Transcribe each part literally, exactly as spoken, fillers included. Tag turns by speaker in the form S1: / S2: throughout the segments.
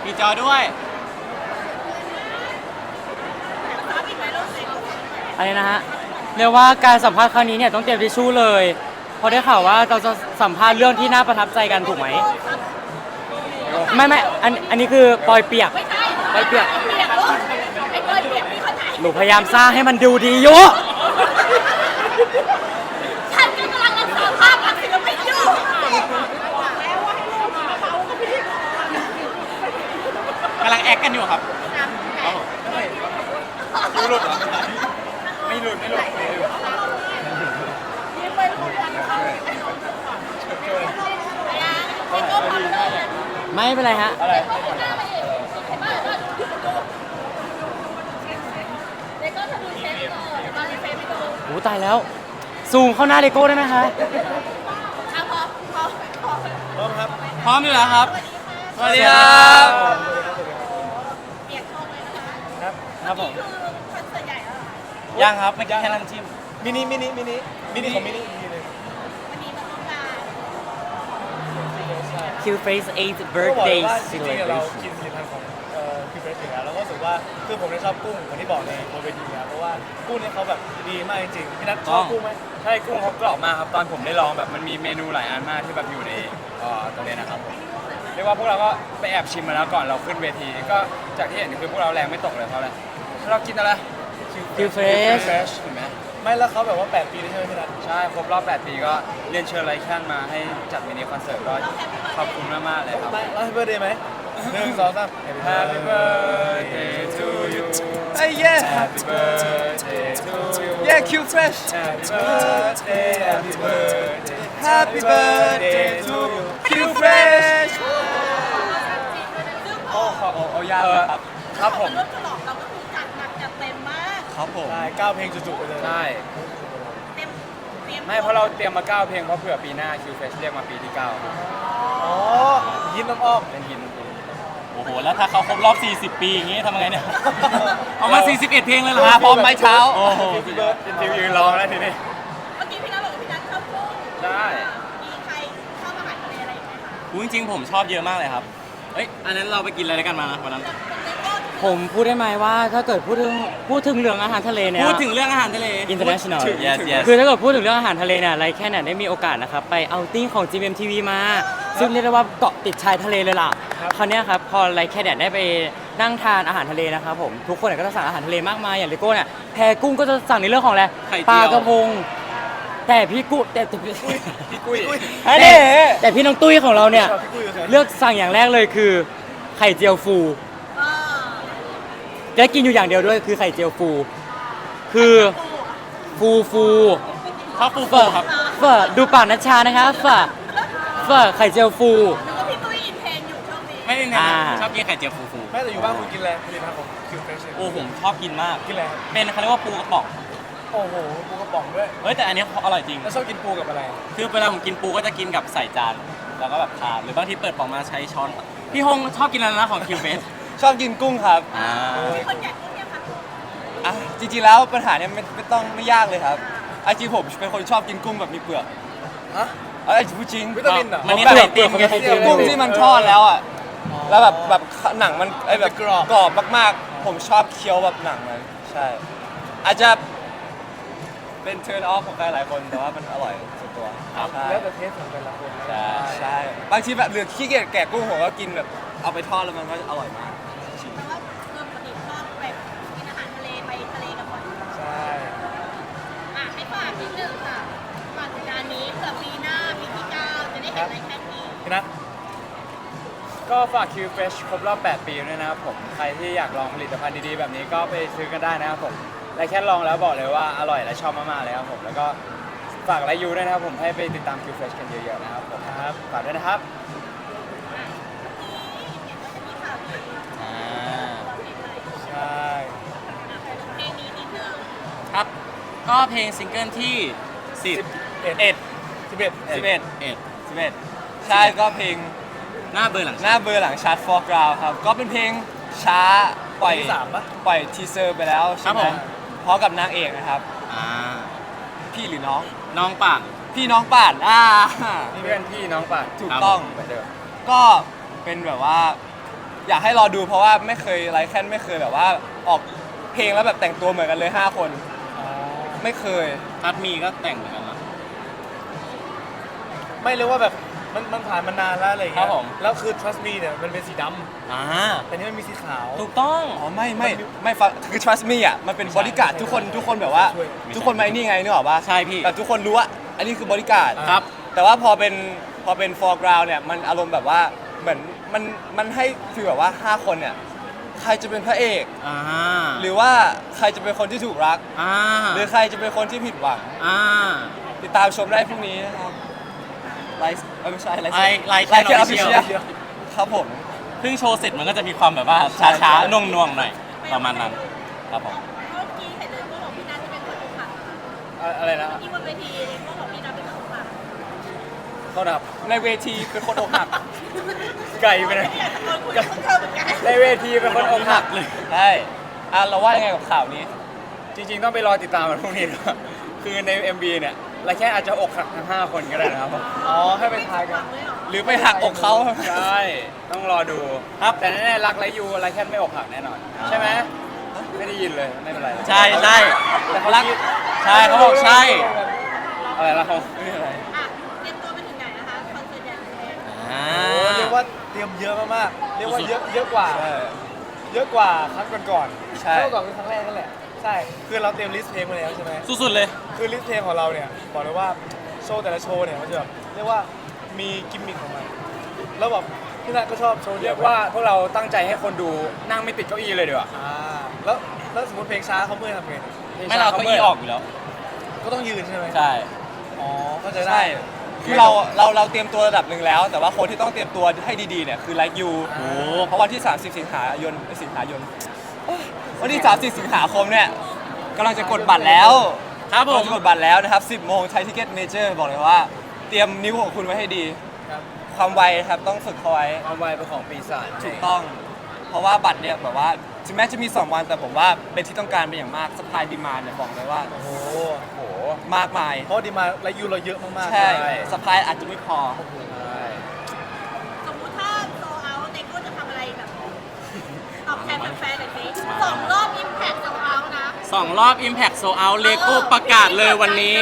S1: มีจอด้วย
S2: อะไรนะฮะเรียกว่าการสัมภาษณ์ครั้งนี้เนี่ยต้องเตรียมทิชชู่เลยเพราะได้ข่าวว่าเราจะสัมภาษณ์เรื่องที่น่าประทับใจกันถูกไหมไม่ไม่อันอันนี้คือปอยเปียกปอยเปียกหนูพยายามสร้างให้มันดูดีอยู่
S3: ฉันกำลังรักษาภาพลักษณ์ศิลปินอยู่
S1: กำลังแอคกันอยู่ครับไม่หลุดไม่หลุดไม่หลุด
S2: ไม่เป็นไรฮะ
S1: อะไร
S2: โอ้ตายแล้วซูมเข้าหน้าเลโก้ได้ไหมคะ
S1: พร้อมครับพร้อมอยู่แล้วครับสวัสดีครับครับครับผมยังครับไม่แค่น้ำจิ้มมินิมินิมินิมินิของมินิ
S2: คิวเฟส eighth birthday
S4: จริงๆเรากินผลิตภัณฑ์ของคิวเฟสอยู่แล้วเราก็รู้สึกว่าคือผมชอบกุ้งเหมือนที่บอกในบนเวทีนะเพราะว่ากุ้งเนี่ยเขาแบบดีมากจริงๆพี่นัทชอบกุ้งไหม
S1: ใช่กุ้งเขากรอบมากครับตอนผมได้ลองแบบมันมีเมนูหลายอันมากที่แบบอยู่ในตรงนี้นะครับเรียกว่าพวกเราก็ไปแอบชิมมาแล้วก่อนเราขึ้นเวทีก็จากที่เห็นคือพวกเราแรงไม่ตกเลยเพราะอะไรเรากินอะไร
S2: คิวเฟส
S1: เห็นไหม
S4: ไม่แล้วเขาแบบว่าแปดปีได้ใช่ไหมพี่นัท
S1: ใช่ครบรอบแปดปีก็เรียนเชิญไลแคนมาให้จัดมินิคอนเสิร์ตก็ขอบคุณมากๆเลยครับ
S4: แล้วให้เบอร์เดย์ไหมหนึ่งสองสาม
S1: Happy birthday to you
S4: ไอ้เย้
S1: Happy birthday to you
S4: เย้คิวเฟส
S1: Happy birthday Happy birthday
S4: Happy birthday to you คิวเฟส
S1: โอ้โหโอ้ยากครับครับผม
S3: ร่วมฉลองเราก็คือจัดหนักจัดเต็มมาก
S1: ครับผม
S4: ใช่เก้าเพลงจุๆไปเลย
S1: ใช่
S3: เต็มเตรียม
S1: ไม่เพราะเราเตรียมมาเก้าเพลงเพราะเผื่อปีหน้าคิวเฟสเรียกมาปีที่เก้า
S4: อ๋อยิ้มน้ำอ้อม
S1: เป็นหินโอ้โหแล้วถ้าเขาครบรอบสี่สิบปีอย่างงี้ทำไงเนี่ยเอามาสี่สิบเอ็ดเพลงเลยเหรอพร้อมไหมเช้าโอ้โหเป็นทีมยืนรอแล้วทีนี้
S3: เมื่อกี้พี่นัทบอกว่าพี่นัทชอบกุ้ง
S1: ใช่
S3: มีใครชอบอาหารทะเลอะไรไหมคะ
S1: จริงๆผมชอบเยอะมากเลยครับเอ้ยอันนั้นเราไปกินอะไรกันมานะวันนั้น
S2: ผมพูดได้ไหมว่าถ้าเกิดพูดถึงพูดถึงเรื่องอาหารทะเลเนี่ย
S1: พูดถึงเรื่องอาหารทะเล
S2: international
S1: yes yes
S2: คือถ้าเกิดพูดถึงเรื่องอาหารทะเลเนี่ยไรแค่เนี่ยได้มีโอกาสนะครับไปเอาติ้งของ จี เอ็ม ที วี มาซึ่งเรียกได้ว่าเกาะติดชายทะเลเลยล่ะคราวนี้ครับพอไรแค่เนี่ยได้ไปนั่งทานอาหารทะเลนะครับผมทุกคนก็จะสั่งอาหารทะเลมากมายอย่างเลโก้เนี่ยแพกุ้งก็จะสั่งในเรื่องของอะไรปลากระพงแต่พี่กุ้แต่พี่
S1: กุ้ย
S2: แต่พี่น้องตุ้ยของเราเนี่ยเลือกสั่งอย่างแรกเลยคือไข่เจียวฟูจะกินอยู่อย่างเดียวด้วยคือไข่เจียวฟูคือฟูฟู
S1: ข้าวฟูฟูครับ
S2: เฟอดูปากนัชชานะคะเฟอเฟอไข่เจียวฟู
S3: พี่ตุ้ยอินเทนอยู่ช่วงนี้
S1: ไม่ได้ไงชอบกินไข่เจียวฟูฟู
S4: แม่แต่อยู่บ้านคุณกินอะไรผลิตภัณฑ์ของคิวเฟส
S1: โอ้ผมชอบกินมาก
S4: กินอะไร
S1: เป็นเขาเรียกว่าปูกระป๋อง
S4: โอ้โหปูกระป๋องด้วย
S1: เฮ้ยแต่อันนี้อร่อยจริง
S4: แล้วชอบกินปูกับอะไร
S1: คือเวลาผมกินปูก็จะกินกับใส่จานแล้วก็แบบทานหรือบางทีเปิดป๋องมาใช้ช้อนพี่ฮงชอบกินอะไรนะของคิวเฟส
S4: ชอบกินกุ้งครับ
S1: อ่า
S3: คนอยากกุ้งยังคะ
S4: อ่ะจริงๆแล้วปัญหาเนี้ยไม่ไม่ต้องไม่ยากเลยครับไอจริงผมเป็นคนชอบกินกุ้งแบบมีเปลือกฮะไอจริงจริง
S1: วิตามินเหรอมันมี
S4: เปลื
S1: อก
S4: เปลือกกุ้งที่มันทอดแล้วอ่ะแล้วแบบแบบหนังมันไอแบบกรอบกรอบมากๆผมชอบเคี้ยวแบบหนังมันใช่อาจจะเป็นเทิร์นออฟของใครหลายคนแต่ว่ามันอร่อยส่วนตัวแล้วแต่เทสของแต่ละคนใช่ใช่บางทีแบบเหลือขี้เกียจแกะกุ้งผมก็กินแบบเอาไปทอดแล้วมันก็อร่อยมาก
S3: แปลว่าเริ่มปฏิบัติชอบแบบกินอาหารทะเลไปทะเลกันบ่อย
S4: ใช่
S3: อ่ะให้ฝากนิดนึงค่ะฝากงานนี้เผื่อปีหน้าปีที่เก้าจะได้เห็นอะไรแค่นี้
S4: นะ
S1: ก็ฝากคิวเฟชครบรอบแปดปีด้วยนะครับผมใครที่อยากลองผลิตภัณฑ์ดีๆแบบนี้ก็ไปซื้อกันได้นะครับผมและแค่ลองแล้วบอกเลยว่าอร่อยและชอบมากๆเลยครับผมแล้วก็ฝากไลฟ์ยูด้วยนะครับผมให้ไปติดตามคิวเฟชกันเยอะๆนะครับผมครับฝากด้วยนะครับ
S4: ใช่
S3: เพลงนี้นิดนึง
S1: ครับก็เพลงซิงเกิลที่สิบเอ็ด
S4: เอ็ดสิบเอ็ด
S1: สิบเอ็ดเอ็ดสิบเอ็ด
S4: ใช่ก็เพลง
S1: หน้าเบอร์หลัง
S4: หน้าเบอร์หลังชาร์ตฟอร์กราวครับก็เป็นเพลงช้าปล่อยสามปะปล่อยทีเซอร์ไปแล้วใช่ไหมพร้อมกับนางเอกนะครับ
S1: อ่า
S4: พี่หรือน้อง
S1: น้องป่าน
S4: พี่น้องป่านอ่า
S1: เพื่อนพี่น้องป่าน
S4: ถูกต้องก็เป็นแบบว่าอยากให้รอดูเพราะว่าไม่เคยไลค์แค่ไม่เคยแบบว่าออกเพลงแล้วแบบแต่งตัวเหมือนกันเลยห้าคนไม่เคย
S5: ทัดมีก็แต่งเหมือนกันนะ
S6: ไม่เรียกว่าแบบมันมันผ่านมานานแล้วอะไรอย่าง
S5: ครั
S6: เงี้
S5: บ
S6: ย
S5: ผม
S6: แล้วคือ trust me เนี่ยมันเป็นสีด
S5: อ่า
S6: ำแต่นี่มันมีสีขาว
S5: ถูกต้อง
S4: อ๋อไม่ไม่ไม่ฟังคือ trust me อ่ะมันเป็นบริการดทุกคนทุกคนแบบว่า
S6: ช่วย
S4: ทุกคนมาไอ้นี่ไงนึกออกปะ
S5: ใช่พี่
S4: แต่ทุกคนรู้ว่าอันนี้คือบริการด
S5: ครับ
S4: แต่ว่าพอเป็นพอเป็น foreground เนี่ยมันอารมณ์แบบว่าเหมือนมันมันให้ฟีลแบบว่าห้าคนเนี่ยใครจะเป็นพระเอก
S5: อ่า
S4: หรือว่าใครจะเป็นคนที่ถูกรัก
S5: อ่า
S4: หรือใครจะเป็นคนที่ผิดหวัง
S5: อ่า
S4: ติดตามชมได้พรุ่งนี้นะครับไลฟ์เอ้ยไม่ใช่ไลฟ์
S5: ไลฟ์ไลฟ์
S4: ไลฟ์
S5: แค่
S4: แค่
S5: official
S4: official ครับผม
S5: เพิ่งโชว์เสร็จมันก็จะมีความแบบว่า
S4: ใช่
S5: ช้า
S4: ใช่
S5: ๆน่วงๆหน่อยประมาณนั้นครับผม
S3: เมื่อกี้เห็นเลยก็บอกพี่นัทจะเป็นคนอกหักนะคะ
S1: เอ่ออะไรนะ
S3: ที่บนเวทีเลยก็บอกพี่นัทเป็นคนอกหัก
S1: เขาดับ
S4: ในเวทีเป็นคนอกหัก
S1: ไก่ไปเลย
S3: อยากตะโกนคุยกับเธอเหมือนกัน
S1: ในเวทีเป็นคนอกหักเลย
S4: ใช่อ่ะเราว่ายังไงกับข่าวนี้
S1: จริงๆต้องไปรอติดตามมันพรุ่งนี้ด้วยคือใน เอ็ม วี เนี่ยเราแค่อาจจะอกหักทั้งห้าคนก็ได้นะครับผม
S6: อ๋อ ให้ไปทายกัน
S4: หรือไปหักอกเขา
S1: ใช่ต้องรอดูครับแต่แน่ๆรักไรยูไรแค่ไม่อกหักแน่นอน ใช่ไหมไม่ได้ยินเลยไม่เป็นไร
S5: ใช่ใช่
S1: แต่เขารัก
S5: ใช่เขาบอกใช่
S1: อะไรนะเขาไม่เป็นไร
S3: อ่ะเตรียมตัวไปถึงไหนนะคะคอนเสิร์ตใหญ่ของเพลง
S5: อ่า
S6: โอ้เรียกว่าเตรียมเยอะมากๆ เรียกว่าเยอะเยอะกว่า
S4: ใช่
S6: เยอะกว่าครั้งก่อนๆ
S4: ใช่
S6: ครั้งก่อนคือครั้งแรกนั่นแหละ ใช่ คือเราเตรียมลิสต์เพลงมาแล้วใช่ไหม
S5: สุดๆเลย
S6: คือลิสต์เพลงของเราเนี่ยบอกเลยว่าโชว์แต่ละโชว์เนี่ยมันจะแบบเรียกว่ามีกิมมิคของมัน แล้วแบบพี่นัทก็ชอบโชว์
S1: เรียกว่าพวกเราตั้งใจให้คนดูนั่งไม่ติดเก้าอี้เลยดีกว่า
S6: อ่าแล้วแล้วสมมติเพลงช้าเขาเมื่อยทำไง
S5: ไม่เราเก็อีออกอยู่แล้ว
S6: ก็ต้องยืนใช่ไหม
S5: ใช่
S6: อ๋อเข้าใจได้
S4: ใช่คือเราเราเราเตรียมตัวระดับหนึ่งแล้ว แต่ว่าคนที่ต้องเตรียมตัวให้ดีๆเนี่ยคือไลค์ยู
S5: โอ้
S4: เพราะวันที่ สามสิบ สิงหายนสิงหายนวันที่ สามสิบ สิงหาคมเนี่ยกำลังจะกดบัตรแล้ว
S5: ครับผม
S4: กำลังจะกดบัตรแล้วนะครับ สิบโมงไทยทิเก็ตเมเจอร์บอกเลยว่า เตรียมนิ้วของคุณไว้ให้ดี
S6: ครับ
S4: ความไวครับต้องฝึกเขาไว้
S1: ความไวเป็นของปีศาจ
S4: ถูกต้อง เพราะว่าบัตรเนี่ยแบบว่าถึงแม้จะมี สอง วันแต่ผมว่าเป็นที่ต้องการเป็นอย่างมากสปายดีมาเนี่ยบอกเลยว่า
S6: โอ้โห
S1: โอ้โห
S4: มากมาย
S6: เพราะดีมาและยูเราเยอะมากๆ
S4: ใช่
S1: ใช่
S4: สปายอาจจะไม่พอ
S1: ใช่
S3: สมมุติถ้าโซเอาเด็กก็จะทำอะไรแบบตอบแทนแฟนๆหน่อยสิสองรอบอิมแพคโซเอานะ
S5: สองรอบ Impact Sold Out เลโก้ประกาศเลยวันนี้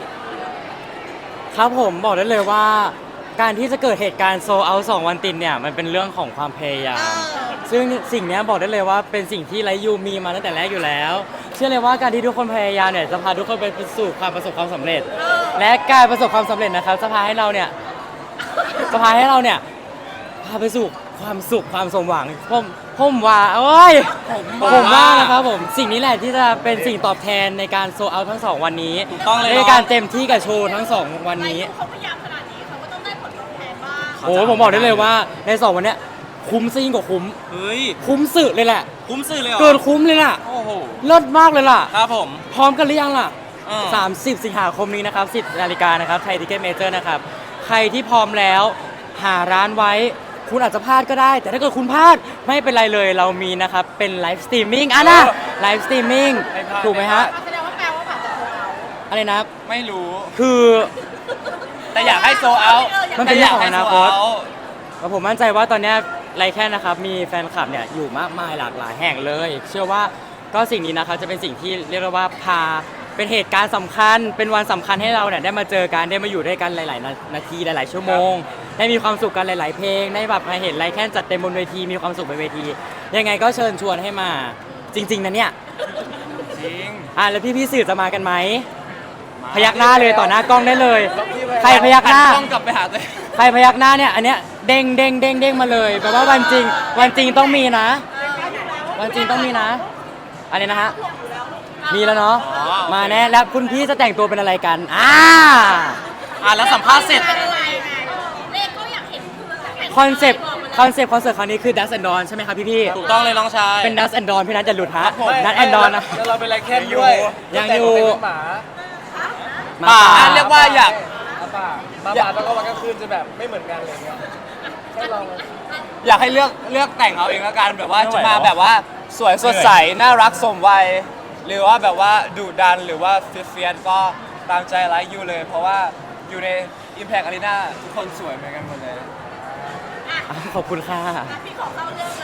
S2: ครับผมบอกได้เลยว่า การที่จะเกิดเหตุการณ์โซเอาสองวันติดเนี่ยมันเป็นเรื่องของความพยายาม ซึ่งสิ่งเนี้ยบอกได้เลยว่าเป็นสิ่งที่ไรยูมีมาตั้งแต่แรกอยู่แล้ว เชื่อเลยว่าการที่ทุกคนพยายามเนี่ยจะพาทุกคนไปสู่ความประสบความสำเร็จ และการประสบความสำเร็จนะครับจะพาให้เราเนี่ยจะพาให้เราเนี่ยพาไปสู่ความสุขความสมหวังผมผมว่าโอ้ยผมว่านะครับผมสิ่งนี้แหละที่จะเป็นสิ่งตอบแทนในการโซเอาทั้งสองวันนี้
S5: ถูกต้องเลย
S2: ในการเต็มที่กับโชว์ทั้งสองวัน
S3: ไร
S2: นี้
S3: ยูเขาพยายามขนาดนี้เขาก็ต้องได้ผลตอบแทนบ้าง
S2: โอ้ยผมบอกได้เลยว่าในสองวันเนี้ยคุ้มซะยิ่งกว่าคุ้ม
S5: เฮ้ย
S2: คุ้มสุดเลยแหละ
S5: คุ้มซื้อเลยเหรอ
S2: เกินคุ้มเลยล่ะ
S5: โอ้โห
S2: เลิศมากเลยล่ะ
S5: ครับผม
S2: พร้อมกันหรือยังล่ะ
S5: อ่า
S2: สามสิบ สิงหาคมนี้นะครับ สิบนาฬิกานะครับไทยทิเก็ตเมเจอร์นะครับ ใครที่พร้อมแล้วหาร้านไว้ คุณอาจจะพลาดก็ได้ แต่ถ้าเกิดคุณพลาดไม่เป็นไรเลยเรามีนะครับ เป็นไลฟ์สตรีมมิ่งอ่ะนะไลฟ์สตรีมมิ่งถูกไหมฮะ
S3: แสดงว่าแปลว่าผ่านจากโซเอา
S2: อะไรนะครับ
S4: ไม่รู้
S2: คือ
S4: แต่อยากให้โซเอา
S2: มันเป็นเรื่องของอนาคต
S4: แต่ยกให้ sold out
S2: แล้วผมมั่นใจว่าตอนเนี้ยไรแค่นะครับมีแฟนคลับเนี่ยอยู่มากมายหลากหลายแห่งเลย เชื่อว่าก็สิ่งนี้นะครับจะเป็นสิ่งที่เรียกได้ว่าพาเป็นเหตุการณ์สำคัญ เป็นวันสำคัญให้เราเนี่ยได้มาเจอกันได้มาอยู่ด้วยกันหลาย ๆ นานาทีหลาย ๆ ชั่วโมง ได้มีความสุขกันหลาย ๆ เพลงได้แบบมาเห็นไรแค่จัดเต็มบนเวทีมีความสุขบนเวที ยังไงก็เชิญชวนให้มาจริง ๆ นะเนี่ย
S4: จริง
S2: อ่ะแล้วพี่ๆสื่อจะมากันไหมพยักหน้าเลยต่อหน้ากล้องได้เลย ใครพยักห
S4: หัน
S2: น้า
S4: กล้องกลับไปหาตัวเอง
S2: ใครพยักหน้าเนี่ยอันเนี้ยเด้งเด้งเด้งเด้งมาเลยแปลว่าวันจริง วันจริงต้องมีนะ วันจริงต้องมีนะ อันนี้นะฮะมีแล้วเนาะมาแน่แล้วคุณพี่จะแต่งตัวเป็นอะไรกันอ่า
S5: อ่ะแล้วสัมภาษณ์เสร็จ
S3: เป็นอะไรไงเลขก็อยากเห็น
S2: คอนเซปต์คอนเซปต์คอนเสิร์ตครั้งนี้คือ Dust and Dawn ใช่ไหมครับพี่พี่
S5: ถูกต้องเลยน้องชาย
S2: ๆเป็น Dust and Dawn พี่นัทจะหลุดฮะ
S6: ไม่
S2: Dust and Dawn นะ
S6: แล้วเราเป็นไรแค่ด้วย
S2: ยังอยู่
S6: แต่งเป็นหมา
S2: มา
S5: ป่า
S2: ป่า
S4: อ่ะเรียกว่าอยาก
S6: หมาป่าหมาป่าแล้วก็วันกลางคืนจะแบบไม่เหมือนกันอะไรเงี้ยแค่ลอง
S4: อยากให้เลือกเลือกแต่งเอาเองแล้วกันแบบว่า
S5: ไม่ไหว
S4: จะมา
S5: หรอ
S4: แบบว่าสวยสดใสน่ารักสมวัยหรือว่าแบบว่าดุดันหรือว่าเฟียสๆก็ตามใจไลค์ยูเลย เพราะว่าอยู่ใน Impact Arena ทุกคนสวยเหมือนกันหมดเลย
S2: ขอบคุณค่ะ
S3: พี่ขอเข้าเรื่องเลย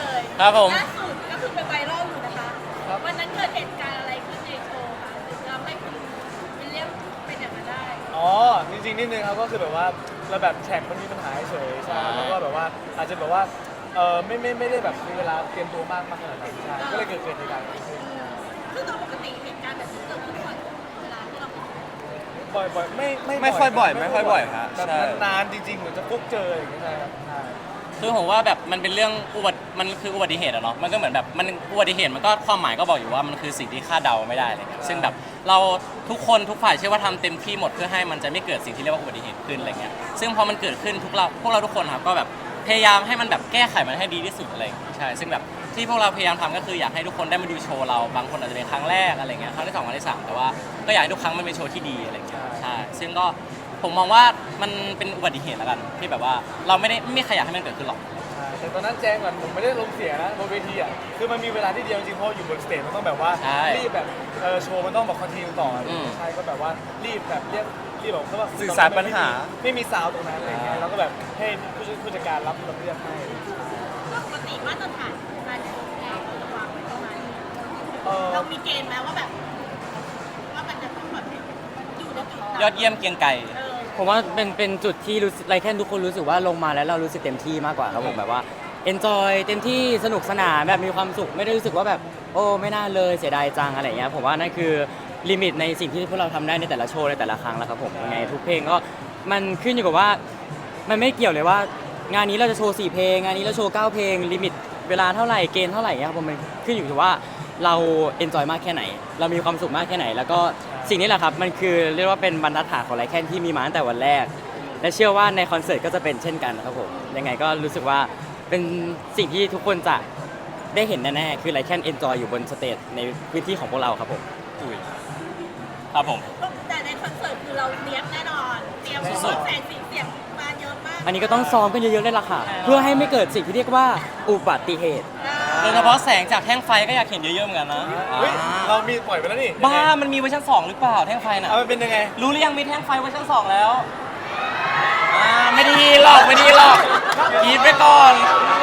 S5: ครับผม
S3: ล่าสุดก็คือเป็นไวรัลอยู่นะคะวันนั้นเกิดเหตุการณ์อะไรขึ้นในโชว์คะถึงทำให้คุณวิลเลียมเป็นอย่างนั้นได้
S6: อ๋อจริงๆนิดนึงครับก็คือแบบว่าเราแบบแท็กมันมีปัญหาเฉยๆใช่แล้วก็แบบว่าอาจจะแบบว่าเออไม่ไม่ไม่ได้แบบมีเวลาเตรียมตัวมากมากขนาดนั้นใช่ก็เลยเกิดเกิดเหตุการณ์นี้ขึ้น
S3: ซึ่งโดยปกติเหตุการณ์แบบนี้เกิดขึ้นบ่อยเวลาที่เรา
S6: บ่อยบ่อยไม่ไม่
S4: ไม่ค่อยบ่อยไม่ค่อยบ่อยฮะ
S6: แบบ
S4: ใช่
S6: นานๆจริงๆเหมือนจะพบเจออย่างเงี้ยใช่ครับใช่
S5: คือผมว่าแบบมันเป็นเรื่องอุบัติมันคืออุบัติเหตุอะเนาะมันก็เหมือนแบบมันอุบัติเหตุมันก็ความหมายก็บอกอยู่ว่ามันคือสิ่งที่คาดเดาไม่ได้อะไรเงี้ยซึ่งแบบเราทุกคนทุกฝ่ายเชื่อว่าทำเต็มที่หมดเพื่อให้มันจะไม่เกิดสิ่งที่เรียกว่าอุบัติเหตุขึ้นอะไรเงี้ยซึ่งพอมันเกิดขึ้นทุกเราพวกเราทุกคนครับก็แบบพยายามให้มันแบบแก้ไขมันให้ดีที่สุดอะไรอย่างเงี้ยใช่ซึ่งแบบที่พวกเราพยายามทำก็คืออยากให้ทุกคนได้มาดูโชว์เราบางคนอาจจะเป็นครั้งแรกอะไรเงี้ยครั้งที่สองครั้งที่สามแต่ว่าก็อยากให้ทุกครั้งมันเป็นโชว์ที่ดีอะไรเงี้ยใช่ซึ่งก็ผมมองว่ามันเป็นอุบัติเหตุแล้วกันที่แบบว่าเราไม่ได้ไม่มีใครอยากให้มันเกิดขึ้นหรอก
S6: ใช่แต่ตอนนั้นแจ้งก่อนผมไม่ได้ลงเสียนะบนเวทีอ่ะคือมันมีเวลาที่เดียวจริงๆเพราะอยู่บนสเตจมันต้องแบบว่า
S5: ใช่
S6: รีบแบบเออโชว์มันต้องแบบคอนติเนียต่ออ
S5: ม
S6: ใช่ก็แบบว่ารีบแบบเรียกรีบแบบเขาว่า
S4: สื่อสารปัญหา
S6: ไม่มีซาวด์ตรงนั้นอะไรเงี้ยเราก็แบบให้ผู้ช่วยผู้จัดการรับรับเรียกให้
S3: ปกติมาตรฐานการโชว์เนี่ยเราจะวางไว้ประมาณนี้
S6: เออ
S3: เรามีเกณฑ์ไหมว่าแบบ ว่ามันจะต้องแบบอยู่ในจุดไหน
S5: ยอดเยี่ยมเกรียงไก่
S3: เออ
S2: ผมว่าเป็นเป็นจุดที่รู้สึกไรแค่ทุกคนรู้สึกว่าลงมาแล้วเรารู้สึกเต็มที่มากกว่าครับผมแบบว่า enjoy เต็มที่สนุกสนานแบบมีความสุขไม่ได้รู้สึกว่าแบบโอ้ไม่น่าเลยเสียดายจังอะไรเงี้ยผมว่านั่นคือลิมิตในสิ่งที่พวกเราทำได้ในแต่ละโชว์ในแต่ละครั้งแล้วครับผมยังไงทุกเพลงก็มันขึ้นอยู่กับว่ามันไม่เกี่ยวเลยว่างานนี้เราจะโชว์สี่เพลงงานนี้เราโชว์เก้าเพลงลิมิตเวลาเท่าไหร่เกณฑ์เท่าไหร่เงี้ยครับผมมันขึ้นอยู่กับว่าเราเอนจอยมากแค่ไหน เรามีความสุขมากแค่ไหน แล้วก็สิ่งนี้แหละครับมันคือเรียกว่าเป็นบรรทัดฐานของไรแคนที่มีมาตั้งแต่วันแรก และเชื่อว่าในคอนเสิร์ตก็จะเป็นเช่นกันครับผมยังไงก็รู้สึกว่าเป็นสิ่งที่ทุกคนจะได้เห็นแน่ๆคือไรแคนเอนจอยอยู่บนสเตจในพื้นที่ของพวกเราครับผม
S5: ครับผม
S3: แต่ในคอนเสิร์ตคือเราเตรียมแน่นอน เตรียม
S5: สุดๆ
S3: แสงสีเสียงมาเยอะมาก
S2: อันนี้ก็ต้องซ้อมกันเยอะๆเลยล่ะค่ะ เพื่อให้ไม่เกิดสิ่งที่เรียกว่าอุบัติเหตุ
S5: โดยเฉพาะแสงจากแท่งไฟก็อยากเห็นเยอะๆเหมือนกันนะ
S6: เฮ้ย
S5: อ่า
S6: เรามีปล่อยไปแล้วนี่
S5: บ้ามันมีเวอร์ชันสองหรือเปล่าแท่งไฟน่ะ
S6: เอามันเป็นยังไง
S5: รู้หรือยังมีแท่งไฟเวอร์ชันสองแล้วอ่าไม่ดีหรอกไม่ดีหรอกกรีดไปก่อน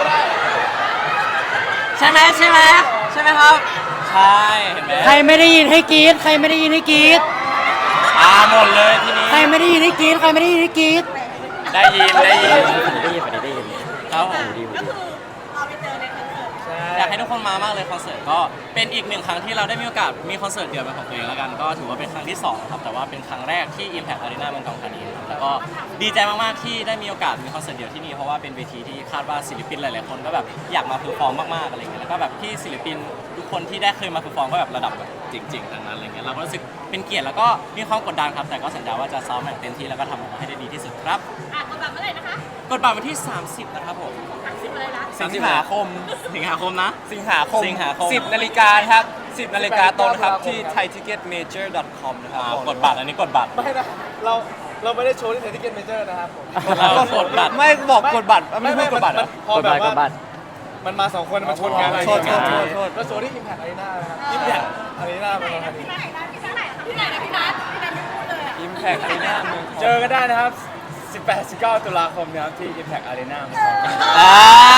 S5: ใช่ไหมใช่ไหมใช่ไหมครับ ใช่เห็นไหม
S2: ใครไม่ได้ยินให้กรี๊ดใครไม่ได้ยินให้กรี๊ด
S5: อ่าหมดเลยทีนี้
S2: ใครไม่ได้ยินให้กรี๊ดใครไม่ได้ยินให้กรี๊ด
S5: ได้ยินได้ยิน
S2: ได้ยินได้ยิน
S5: ครับผม
S3: ก็คือเราไปเจอในคอนเสิร์ต
S5: อยากให้ทุกคนมามากเลยคอนเสิร์ตก็เป็นอีกหนึ่งครั้งที่เราได้มีโอกาสมีคอนเสิร์ตเดี่ยวเป็นของตัวเองแล้วกันก็ถือว่าเป็นครั้งที่สองครับแต่ว่าเป็นครั้งแรกที่ Impact Arena เมืองทองธานีครับแล้วก็ดีใจมากๆที่ได้มีโอกาสมีคอนเสิร์ตเดี่ยวที่นี่เพราะว่าเป็นเวทีที่คาดว่าศิลปินหลายๆคนก็แบบอยากมาเพอร์ฟอร์มมากๆอะไรเงี้ยแล้วก็แบบที่ศิลปินทุกคนที่ได้เคยมาเพอร์ฟอร์มก็แบบระดับแบบจริงๆทั้งนั้นอะไรเงี้ยเราก็รู้สึกเป็นเกียรติแล้วก็มีความกดดันครับแต่ก็สัญญาว่าจะซ้อมอย่างเต็มที่แล้วก็ทำออกมาให้ได้ดีที่สุดครับ
S3: อ่ะกดบัตรเมื่อไหร่นะคะ
S5: กดบัตรวันที่สามสิบนะครับผม
S3: สามสิบอะไรนะ
S5: สิงหาคมสิงหาคมนะ
S4: สิงหาคม
S5: สิงหาคม
S4: สิบนาฬิกาครับสิบนาฬิกาตรงนะครับที่ ไทยทิเก็ตเมเจอร์ดอทคอม นะครับ
S5: อ่ากดบัตรอันนี้กดบัตร
S6: ไม่นะเราเราไม่ได้โชว์ที่ไทยทิเก็ตเมเจอร์นะครับผม
S5: เรากดบัตร
S4: ไม่บอกกดบัตรไม่ไม่กดบัตรเหรอ
S6: พอก
S2: ด
S6: แบ
S2: บัต
S6: บ
S2: รก
S6: ว่า
S2: ดบัตร
S6: มันมาสองคนมันชนกันอะไร
S4: โทษโทษโทษโทษ
S6: แล้วโชว์ที่ Impact Arena นะครับ Impact Arena เมืองทองธานี
S3: ที่ไหนนะที่ไหนที่ไหนนะพี่นัทพี่นัทไม่พูดเลยอ่ะ
S4: อิมแพคอารีนาเมืองทอง
S1: เจอกันได้นะครับ สิบแปด สิบเก้า ตุลาคมนะครับที่ Impact Arena เมืองทองธานี
S5: อ่า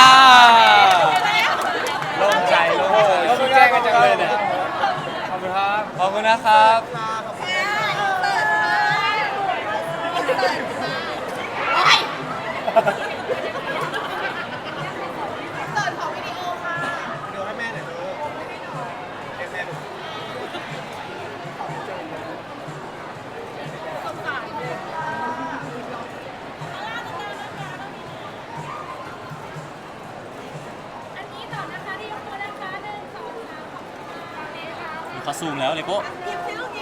S1: โล่งใจโล่งใจเขาแจ้งกันจังเลยเนี่ย
S6: ขอบคุณครับ
S4: ขอบคุณนะครับ
S3: โอ้ยเปิดของวิดีโอค่ะ
S6: เดี๋ยวให้แม่หน่อยดูให้แม่ดู
S3: สงสารเลยอันนี้ต่อนะคะที่ยกตัวนะคะหนึ่งสองสามขอบคุณค่ะ
S5: เขาซูมแล้วเลโก้
S3: ยิ้มซิลูกยิ้